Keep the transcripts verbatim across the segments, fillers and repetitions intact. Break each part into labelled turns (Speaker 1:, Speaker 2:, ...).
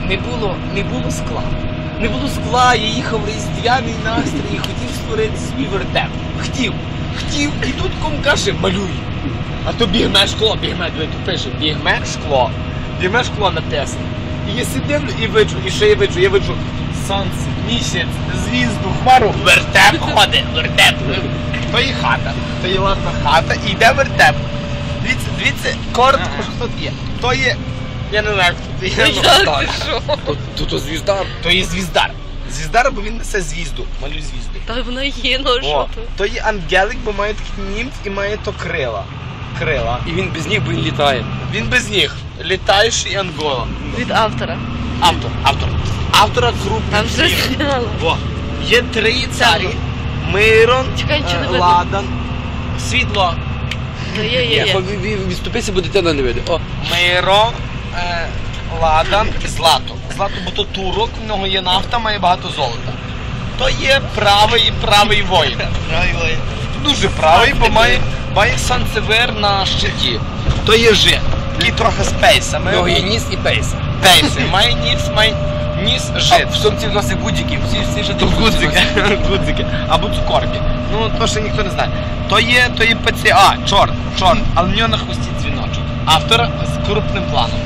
Speaker 1: не було, не було скла. Не було скла, я їхав в різдвяний настрій і хотів створити свій вертеп. Хотів, хотів, і тут ком каже, малюй. А то бігме шкло, бігме, диви, тут пише, бігме шкло. Бігме шкло написано. І я сидив і виджу, і що я виджу? Я виджу сонце, місяць, звізду, хмару, вертеп ходить, вертеп. То є хата, то є ладна хата, і йде вертеп. Дивіться, дивіться, коротко, що тут є. То є, я не знаю, хто це є.
Speaker 2: Тут то звіздар.
Speaker 1: То є звіздар. Звіздар, бо він несе звізду, малюй звізду.
Speaker 3: Та вона є, ну що
Speaker 1: О,
Speaker 3: то?
Speaker 1: то є ангелик, бо має такий німф і має то крила. Крила.
Speaker 2: І він без них, бо він літає.
Speaker 1: Він без ніг. Літаючий ангола.
Speaker 3: Від автора.
Speaker 1: Автор, автор. Автора
Speaker 3: Там
Speaker 1: крупних
Speaker 3: вже
Speaker 1: слів.
Speaker 3: зняла.
Speaker 1: Во. Є три царі. Мирон,
Speaker 3: Чекай, нічого не
Speaker 1: е,
Speaker 3: видно.
Speaker 1: Ладан, Світло.
Speaker 3: Ну, є, є,
Speaker 2: Ні,
Speaker 3: є.
Speaker 2: відступися, бо дитина не вийде. О,
Speaker 1: Мирон, е, Ладан, Злато. Злато, бо то турок, в нього є нафта, має багато золота. То є правий правий воїн. Правий воїн. Дуже правий, бо має, має санцевер на щиті. То є жит. Такий трохи з пейсами.
Speaker 2: в нього є ніс і пейс.
Speaker 1: Пейси. Має ніс, має ніс жит.
Speaker 2: В сумці вносить гудзики, всі, всі ж
Speaker 1: То гудзики, гудзики, або цукорки. Ну, то ще ніхто не знає. То є, то є ПЦА, чорт, чорт, але в нього на хвості дзвіночок. Автор з крупним планом.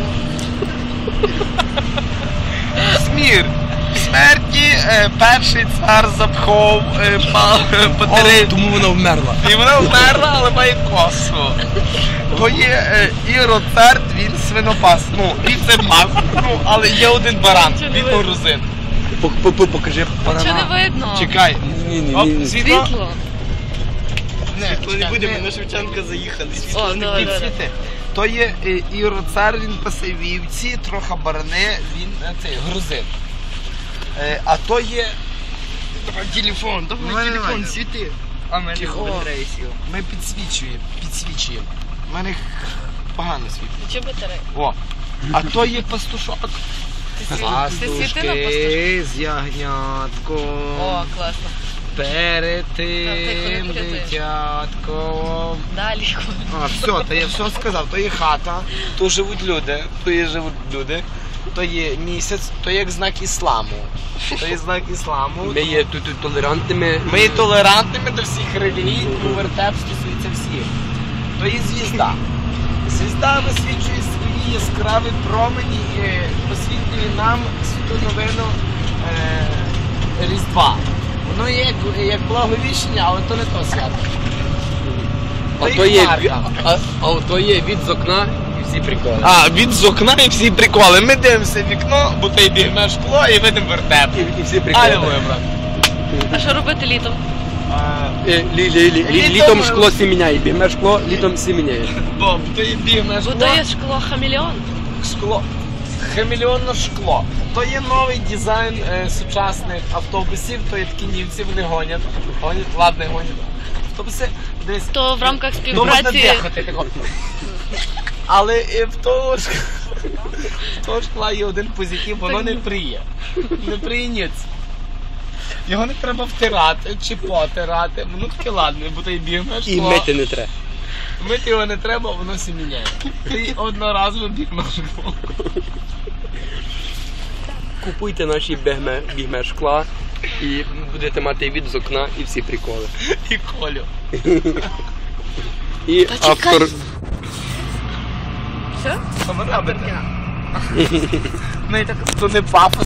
Speaker 1: Смір. Смерті е, перший цар запхов е, потери.
Speaker 2: Тому вона вмерла.
Speaker 1: І вона вмерла, але має косу. То є е, Іроцарт, він свинопас. Ну, він це пас, ну, але є один баран, він грузин.
Speaker 2: Покажи барана.
Speaker 3: Чого не видно?
Speaker 1: Чекай.
Speaker 2: Ні, ні,
Speaker 1: Оп,
Speaker 2: ні.
Speaker 1: світло.
Speaker 3: Світло.
Speaker 1: Не,
Speaker 4: То не будемо, на Шевченка заїхали.
Speaker 3: О, давай, давай.
Speaker 1: світи. То є е, Іроцар, він пасе вівці, трохи барани, він е, цей, грузин. Е, а то є...
Speaker 4: Давай телефон,
Speaker 1: Ну,
Speaker 4: давай
Speaker 1: давай,
Speaker 4: телефон,
Speaker 1: давай.
Speaker 4: світи. А мене
Speaker 1: Тихо.
Speaker 4: батарея сіла.
Speaker 1: Ми підсвічуємо, підсвічуємо. У мене погано світло.
Speaker 3: Чи батарея?
Speaker 1: О, а то є пастушок.
Speaker 3: Ти світи на пастушку?
Speaker 1: з ягнятком.
Speaker 3: О, класно.
Speaker 1: Перед
Speaker 3: Та ти
Speaker 1: тим
Speaker 3: коли ти?
Speaker 1: дитятком.
Speaker 3: Далі.
Speaker 1: А, все, то я все сказав. То є хата, то живуть люди, то є живуть люди, то є місяць, то є як знак ісламу. То є знак ісламу.
Speaker 2: Ми є тут тут толерантними.
Speaker 1: Ми є толерантними до всіх релігій, тому вертеп стосується всіх. То є звізда. Звізда висвітлює свої яскраві промені і освітлює нам святу новину е, Різдва. Воно є як, як благовіщення, але то не то свято.
Speaker 2: А то є, а, а то є від з окна і всі приколи.
Speaker 1: А, від з окна і всі приколи. Ми дивимося в вікно, бо той бігме шкло і видимо вертеп.
Speaker 2: І, і всі приколи.
Speaker 1: Алілуя, брат.
Speaker 3: А що робити літом?
Speaker 1: А,
Speaker 2: Е, лі, лі, лі, лі,
Speaker 1: Літом-
Speaker 2: літом шкло всі міняє, бігме шкло, літом всі міняє.
Speaker 1: Бо бо то є бігме
Speaker 3: Бо
Speaker 1: шкло.
Speaker 3: то є шкло хамелеон.
Speaker 1: Шкло. Хамелеонне шкло. То є новий дизайн е, сучасних автобусів, то є такі німці, вони гонять. Гонять, ладно, гонять. Автобуси, десь.
Speaker 3: То в рамках
Speaker 1: То можна
Speaker 3: співпраці...
Speaker 1: дихати тако. Але е, в того ж в того шкла є один позитив, воно не приє. Не приє ніц. Його не треба втирати чи потирати. Воно таке ладне, бо то й бігме шкло.
Speaker 2: І мити не треба.
Speaker 1: Мити його не треба, воно все міняє. Ти одноразово бігме шкло.
Speaker 2: Купуйте наші бігме, бігме шкла і будете мати від з окна і всі приколи.
Speaker 1: І Колю.
Speaker 2: І
Speaker 3: Та чекай.
Speaker 2: автор...
Speaker 3: Все?
Speaker 1: Що ви робите? Ну і так, то не пафос.